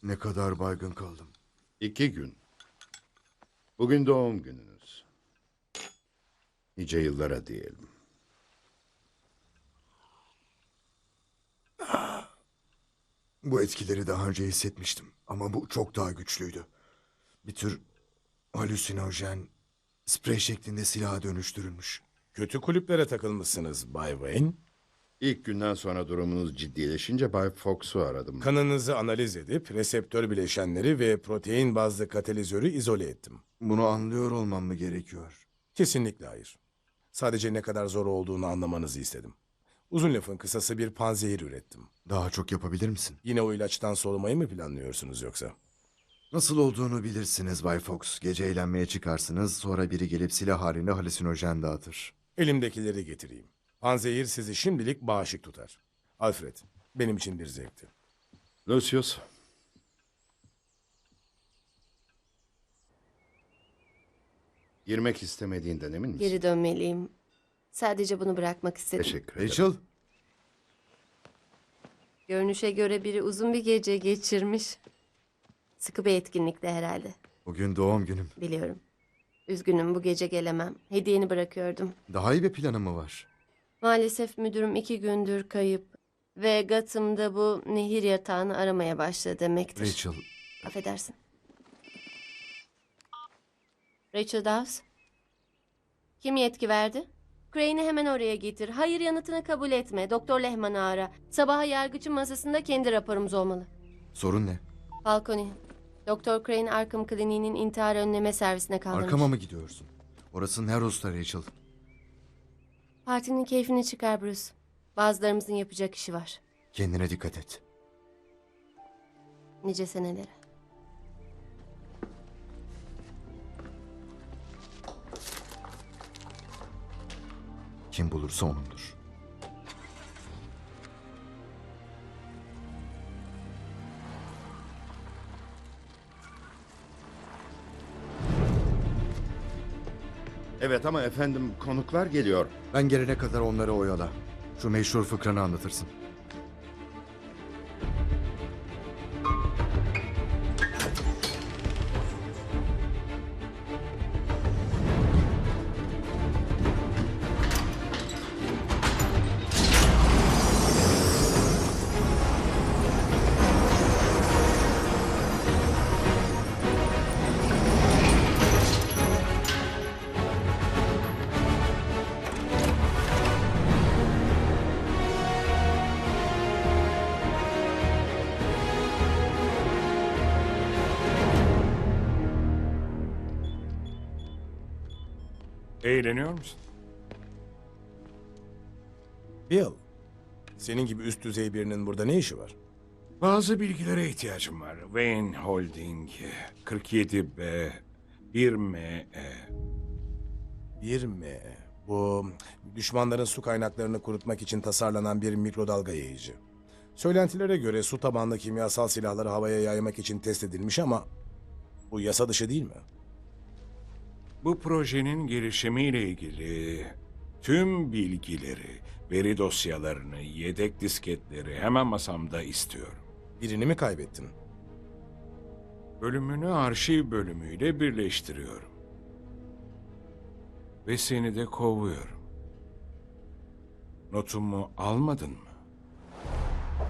Ne kadar baygın kaldım. 2 gün. Bugün doğum gününüz. Nice yıllara diyelim. Bu etkileri daha önce hissetmiştim ama bu çok daha güçlüydü. Bir tür halüsinojen, sprey şeklinde silaha dönüştürülmüş. Kötü kulüplere takılmışsınız Bay Wayne. İlk günden sonra durumunuz ciddileşince Bay Fox'u aradım. Kanınızı analiz edip reseptör bileşenleri ve protein bazlı katalizörü izole ettim. Bunu anlıyor olmam mı gerekiyor? Kesinlikle hayır. Sadece ne kadar zor olduğunu anlamanızı istedim. Uzun lafın kısası bir panzehir ürettim. Daha çok yapabilir misin? Yine o ilaçtan solumayı mı planlıyorsunuz yoksa? Nasıl olduğunu bilirsiniz Bay Fox. Gece eğlenmeye çıkarsınız, sonra biri gelip silah halinde halüsinojen dağıtır. Elimdekileri getireyim. Panzehir sizi şimdilik bağışık tutar. Alfred, benim için bir zevkti. Lucius. Girmek istemediğinden emin misin? Geri dönmeliyim. Sadece bunu bırakmak istedim. Teşekkür ederim. Rachel, Görünüşe göre biri uzun bir gece geçirmiş. Sıkı bir etkinlikte herhalde. bugün doğum günüm. Biliyorum. Üzgünüm, bu gece gelemem. Hediyeni bırakıyordum. Daha iyi bir planım mı var? Maalesef müdürüm 2 gündür kayıp. Ve Gotham'da bu nehir yatağını aramaya başladı demektir. Rachel, Affedersin. Rachel Dawes. Kim yetki verdi? Crane'i hemen oraya getir. Hayır yanıtını kabul etme. Doktor Lehman'ı ara. Sabaha yargıcın masasında kendi raporumuz olmalı. sorun ne? Falcone. Doktor Crane Arkham Kliniği'nin intihar önleme servisine kaldırmış. Arkama mı gidiyorsun? Orası Narrows'ta Rachel. Partinin keyfini çıkar Bruce. Bazılarımızın yapacak işi var. Kendine dikkat et. Nice senelere. Kim bulursa onundur. Evet ama efendim konuklar geliyor. Ben gelene kadar onları oyala. Şu meşhur fıkranı anlatırsın. Eğleniyor musun? Bill, senin gibi üst düzey birinin burada ne işi var? Bazı bilgilere ihtiyacım var. Wayne Holding, 47B, 1ME. Bir mi? Bu düşmanların su kaynaklarını kurutmak için tasarlanan bir mikrodalga yayıcı. Söylentilere göre su tabanlı kimyasal silahları havaya yaymak için test edilmiş ama bu yasa dışı değil mi? Bu projenin gelişimiyle ilgili tüm bilgileri, veri dosyalarını, yedek disketleri hemen masamda istiyorum. Birini mi kaybettin? Bölümünü arşiv bölümüyle birleştiriyorum. Ve seni de kovuyorum. Notumu almadın mı?